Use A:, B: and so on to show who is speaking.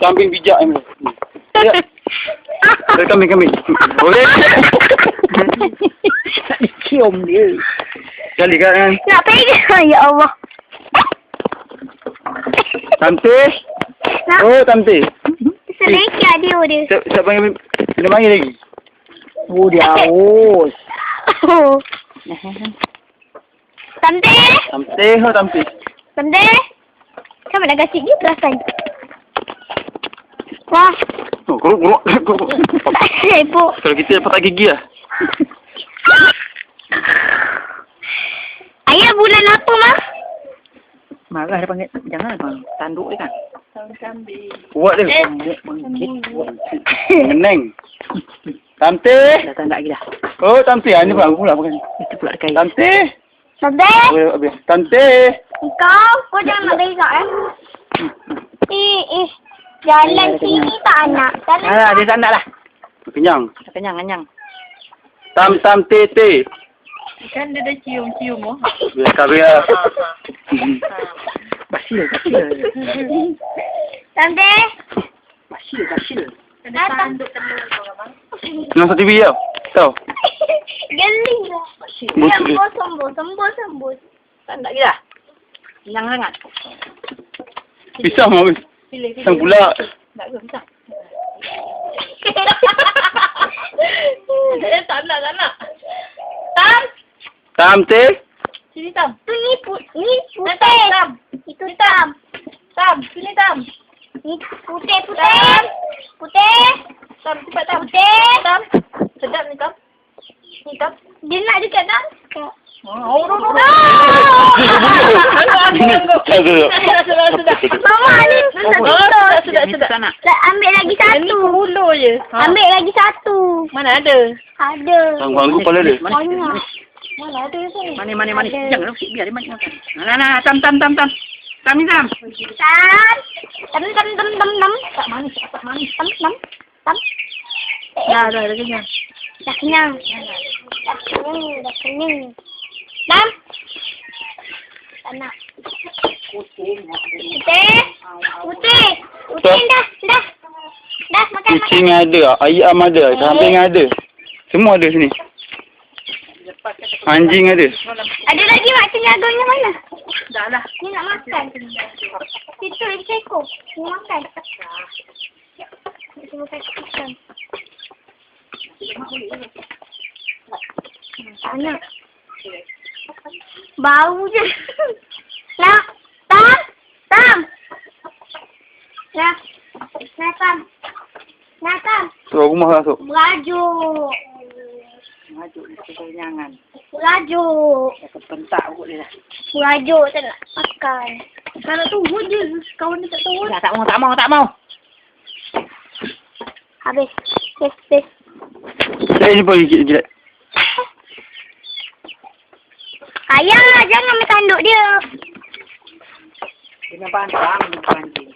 A: kambing bijak ni. Ya. Kambing. Boleh.
B: Tak dicium dia.
A: Sekali kan.
C: Nak pegang, ya Allah.
A: Tamti. Oh, Tamti.
C: Selekah dia.
A: Siapa panggil? Kena panggil lagi.
B: Oh, dia haus.
C: Tamti.
A: Tamti.
C: Tamti. Kamu nak kasih dia perasan. Wah.
A: Oh, kuruk.
C: Tak sibuk.
A: Kalau kita dapat tak gigi lah.
C: Ayah bulan apa, Mak?
B: Marah dia panggil. Jangan bang. Tanduk dia kan.
A: Kuat dia. Meneng. Tamti.
B: Dah tak lagi dah.
A: Oh, Tamti. Ini pula pula bukan.
B: Itu pula kain.
A: Tamti.
C: Tamti.
A: Tamti.
C: Kau jangan nak berak jalan sini tak nak.
B: Alah, dia tak nak lah.
A: Kenyang.
B: Kenyang.
A: Tete.
D: Kan dia dah cium-cium oh.
A: Biar.
B: Basil.
C: Tamti.
B: Basil.
D: Kena tanduk telur kau abang.
A: Nonton TV tau. Tahu.
C: Geling lah. Sembus.
B: Tak nak lagi dah. Kenyang sangat.
A: Pisang habis.
D: Pilih.
A: Pisang pula.
B: Tak ke pisang?
D: Tak nak.
A: Tamti.
D: Sini Tam.
C: Ni putih.
D: Tam.
C: Itu Tam.
D: Tam, sini Tam.
C: Ni putih.
D: Tam, cepat Tam.
C: Putih.
D: Tam. Sedap ni Tam. Ni Tam.
C: Dia nak dekat Tam.
D: Oh. Sudah.
C: Mama ni.
D: Sudah.
C: Ambil lagi satu.
D: Ini hulu je.
C: Ambil lagi satu.
D: Mana ada?
C: Ada.
A: Ganggu kepala dia.
C: Banyak.
D: Mana ada sini?
B: Manis. Jangan biar dia makan. Nah. Tam. Tam ni Tam.
C: Tam. Tak manis. Tam.
D: Dah kenyang.
C: Dah kenyang. Tam. Tak nak. Putih dah. Dah makan.
A: Kucing ada, ayam ada, kambing ada. Semua ada sini. Anjing ada.
C: Ada lagi mak tenyaganya mana?
D: Dah lah.
C: Ni nak makan. Situ lagi seekor. Ni makan. Ni makan. Tak nak. Bau je. Nak. Tam. Nak, Tam.
A: Keluar rumah masuk.
C: Merajuk.
B: Kenyangan.
C: Merajuk.
B: Pentak kot dia dah.
C: Merajuk tak nak makan. Kalau tunggu je. Kawan dia tak tahu.
B: Dah tak mau.
C: Habis.
A: Saya jumpa gigit.
C: Ayah, jangan main tanduk dia.
B: Dia nampak anjing.